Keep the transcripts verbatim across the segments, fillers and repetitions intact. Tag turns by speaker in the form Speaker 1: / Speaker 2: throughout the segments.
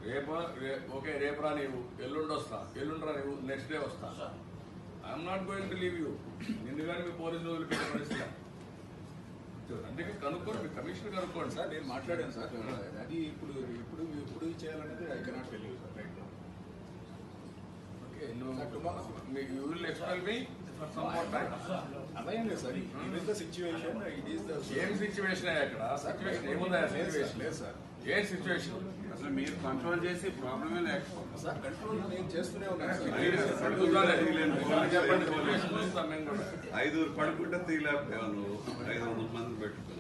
Speaker 1: రేపు ఓకే రేపు రా నీవు ఎల్లుండి వస్తా ఎల్లుండి రా నీవు నెక్స్ట్ డే వస్తా. I'm not going to leave you. నిన్ను కానీ మీ పోలీసులు వదిలిపెట్టే పరిస్థితి అందుకే కనుక్కోండి, మీ కమిషనర్ కనుక్కోండి.
Speaker 2: సార్ నేను మాట్లాడాను సార్, అది ఇప్పుడు ఇప్పుడు ఇప్పుడు చేయాలనేది I cannot tell you sir right now.
Speaker 1: Okay నువ్వు మీ యూ విల్ ఎక్స్ప్లెయిన్ మీ
Speaker 2: అలాగే లేదు సార్, ఇది the situation, it is the
Speaker 1: ఏం సిచ్యువేషన్ అక్కడ సిచ్యువేషన్ ఏముందా సిచ్యువేషన్
Speaker 2: లేదు సార్.
Speaker 1: ఏ సిచ్యువేషన్
Speaker 3: అసలు మీరు కంట్రోల్ చేసి ప్రాబ్లమే లేకపోతే
Speaker 2: సార్ కంట్రోల్ నేను చేస్తూనే ఉన్నాను సార్.
Speaker 3: ఐదుగురు పడుకుంటే తీయలేకపోయావు నువ్వు, ఐదు వందల మంది పెట్టుకుని.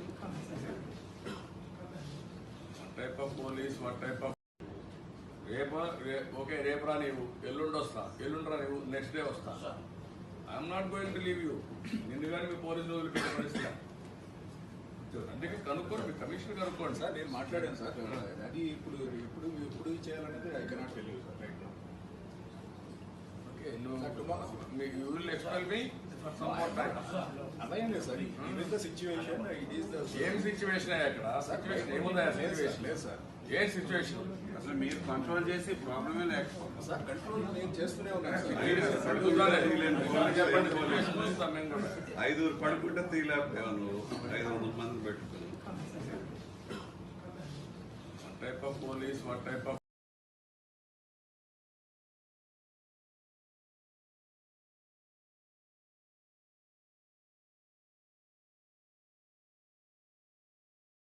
Speaker 1: Type of police what type of రేపు ఓకే రేపు రా నీవు ఎల్లుండి వస్తా ఎల్లుండి రా నీవు నెక్స్ట్ డే వస్తా. I'm not going to leave you. నిన్ను కానీ మీ పోలీసులు వదిలిపెట్టే పరిస్థితి అందుకే కనుక్కోండి, మీ కమిషనర్ కనుక్కోండి.
Speaker 2: సార్ నేను మాట్లాడాను సార్, అది ఇప్పుడు ఇప్పుడు ఇప్పుడు చేయాలనేది I cannot tell you sir right now.
Speaker 1: Okay నువ్వు మీ యూ విల్ ఎక్స్ప్లెయిన్ మీ
Speaker 2: అలాగే లేదు సార్, ఇది the situation, it is the
Speaker 1: ఏం సిచ్యువేషన్ అక్కడ సిచ్యువేషన్ ఏముందా సిచ్యువేషన్
Speaker 2: లేదు సార్.
Speaker 1: ఏ సిచ్యువేషన్
Speaker 3: అసలు మీరు కంట్రోల్ చేసి ప్రాబ్లమే లేకపోతే
Speaker 2: సార్ కంట్రోల్ నేను చేస్తూనే ఉన్నాను సార్.
Speaker 3: ఐదుగురు పడుకుంటే తీయలేకపోయావు నువ్వు, ఐదు వందల మంది పెట్టుకుని.
Speaker 1: Type of police what type of